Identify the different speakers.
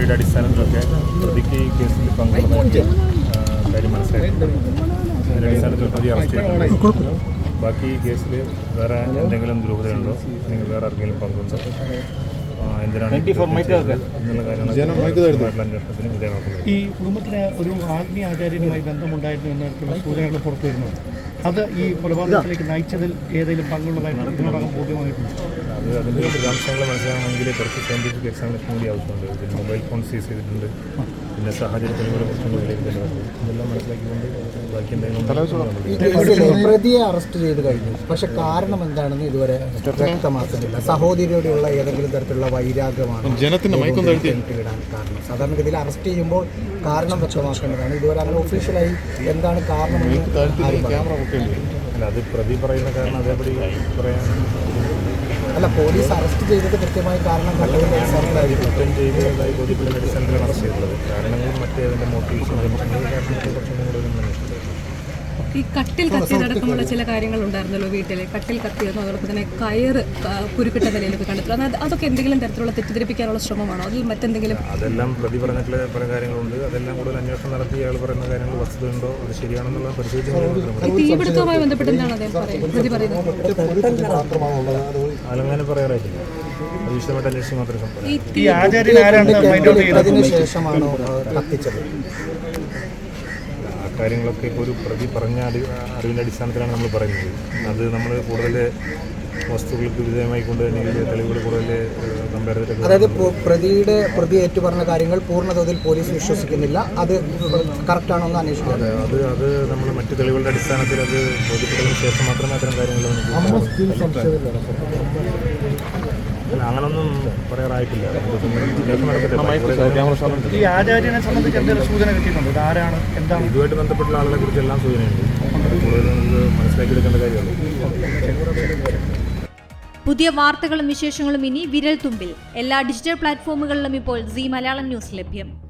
Speaker 1: മൊഴിയുടെ അടിസ്ഥാനത്തിലൊക്കെ പ്രതിക്ക് ഈ കേസിൽ പങ്കുള്ളതായിട്ട് കാര്യം മനസ്സിലായിട്ടുണ്ട്. അതിൻ്റെ അടിസ്ഥാനത്തിൽ പ്രതി അറസ്റ്റ് ചെയ്തിട്ടുണ്ട്. ബാക്കി കേസിൽ വേറെ എന്തെങ്കിലും ദുരൂഹതയുണ്ടോ അല്ലെങ്കിൽ വേറെ ആർക്കെങ്കിലും പങ്കുണ്ടോ, എന്തിനാണ് എന്നുള്ള കാര്യങ്ങളൊക്കെ അന്വേഷണത്തിന് വിധേയമാക്കുന്നത്.
Speaker 2: ഈ കുടുംബത്തിന് ഒരു ആത്മീയ ആചാര്യനുമായി ബന്ധമുണ്ടായിരുന്നു എന്നൊക്കെയുള്ള സൂചനകൾ പുറത്തു വരുന്നു. അത് ഈ കൊലപാതകത്തിലേക്ക് നയിച്ചതിൽ ഏതെങ്കിലും പങ്കുള്ളതായിട്ട് ഇതിനോടകം ബോധ്യമായിട്ടുണ്ട്.
Speaker 1: അത് അതിൻ്റെ വിശദാംശങ്ങൾ മനസ്സിലാകണമെങ്കിൽ കുറച്ച് സയൻറ്റിഫിക് എക്സാമിനേഷൻ കൂടി ആവശ്യമുണ്ട്. പിന്നെ മൊബൈൽ ഫോൺ സീസ് ചെയ്തിട്ടുണ്ട്, പിന്നെ സാഹചര്യ തെളിവുകളെ കുറിച്ചുള്ള വിലയിരുത്തലുണ്ട്. ഇതെല്ലാം മനസ്സിലാക്കിക്കൊണ്ട് ബാക്കി എന്തെങ്കിലും
Speaker 3: പ്രതിയെ അറസ്റ്റ് ചെയ്ത് കഴിഞ്ഞു. പക്ഷെ കാരണം എന്താണെന്ന് ഇതുവരെ വ്യക്തമാക്കുന്നില്ല. സഹോദരിയോടെയുള്ള ഏതെങ്കിലും തരത്തിലുള്ള വൈരാഗ്യമാണ് ഇടാൻ കാരണം. സാധാരണഗതിയിൽ അറസ്റ്റ് ചെയ്യുമ്പോൾ കാരണം വ്യക്തമാക്കേണ്ടതാണ്. ഇതുവരെ അങ്ങനെ ഒഫീഷ്യലായി എന്താണ് കാരണമെന്ന്
Speaker 1: അല്ല, അത് പ്രതി പറയുന്ന കാരണം അതേപടി പറയാൻ
Speaker 3: അല്ല, പോലീസ് അറസ്റ്റ് ചെയ്തത് കൃത്യമായി കാരണം
Speaker 1: കുറ്റം ചെയ്തതായി ബോധ്യപ്പെട്ട അടിസ്ഥാനത്തിലാണ് അറസ്റ്റ് ചെയ്തത്. കാരണങ്ങളും മറ്റേതിൻ്റെ മോട്ടിവേഷൻ കുറച്ചും കൂടെ
Speaker 4: ഈ കട്ടിൽ കത്തിയതടക്കമുള്ള ചില കാര്യങ്ങൾ ഉണ്ടായിരുന്നല്ലോ വീട്ടിൽ. കട്ടിൽ കത്തിയെന്നോ അതോടൊപ്പം തന്നെ കയറ് കുരുക്കിട്ട നിലയിലൊക്കെ കണ്ടെത്തുന്നത്, അതൊക്കെ എന്തെങ്കിലും തരത്തിലുള്ള തെറ്റിദ്ധരിപ്പിക്കാനുള്ള ശ്രമമാണോ, അതിൽ മറ്റെന്തെങ്കിലും?
Speaker 1: അതെല്ലാം പ്രതി പറഞ്ഞിട്ടുള്ള പല കാര്യങ്ങളുണ്ട്. അതെല്ലാം കൂടുതൽ അന്വേഷണം നടത്തി അയാൾ പറയുന്ന കാര്യങ്ങൾ വസ്തുതയുണ്ടോ അത് ശരിയാണെന്നുള്ള പരിശോധിച്ച്
Speaker 4: തീപിടുത്തവുമായി ബന്ധപ്പെട്ട് എന്താണ് അദ്ദേഹം പ്രതി പറയുന്നത്?
Speaker 1: അതങ്ങനെ പറയാറായിട്ടില്ല. അത് വിശദമായിട്ട് അന്വേഷിച്ച് മാത്രമേ
Speaker 3: ശേഷമാണോ കത്തിച്ചത്?
Speaker 1: കാര്യങ്ങളൊക്കെ ഇപ്പോൾ ഒരു പ്രതി പറഞ്ഞ അറിവിൻ്റെ അടിസ്ഥാനത്തിലാണ് നമ്മൾ പറയുന്നത്. അത് നമ്മൾ കൂടുതൽ വസ്തുക്കൾക്ക് വിധേയമായി കൊണ്ട് തന്നെ തെളിവുകൾ കൂടുതൽ കമ്പയർ ചെയ്തിട്ട്,
Speaker 3: അതായത് പ്രതി ഏറ്റുപറഞ്ഞ കാര്യങ്ങൾ പൂർണ്ണതോതിൽ പോലീസ് വിശ്വസിക്കുന്നില്ല, അത് കറക്റ്റാണോ എന്ന് അന്വേഷിക്കുന്നത്.
Speaker 1: അത് നമ്മൾ മറ്റ് തെളിവുകളുടെ അടിസ്ഥാനത്തിൽ അത് ബോധ്യപ്പെട്ടതിന് ശേഷം മാത്രമേ അത്തരം കാര്യങ്ങൾ അങ്ങനൊന്നും പറയാറായിട്ടില്ല.
Speaker 2: ഈ ആചാര്യനെ സംബന്ധിച്ച് എന്തെങ്കിലും സൂചന കിട്ടിയിട്ടുണ്ട്? ആരാണ്, എന്താണ്?
Speaker 1: ഇതുമായിട്ട് ബന്ധപ്പെട്ട ആളുകളെ കുറിച്ച് എല്ലാം സൂചനയുണ്ട്. കൂടുതൽ നമുക്ക് മനസ്സിലാക്കിയെടുക്കേണ്ട കാര്യമല്ല.
Speaker 5: പുതിയ വാർത്തകളും വിശേഷങ്ങളും ഇനി വിരൽ തുമ്പിൽ. എല്ലാ ഡിജിറ്റൽ പ്ലാറ്റ്ഫോമുകളിലും ഇപ്പോൾ സീ മലയാളം ന്യൂസ് ലഭ്യം.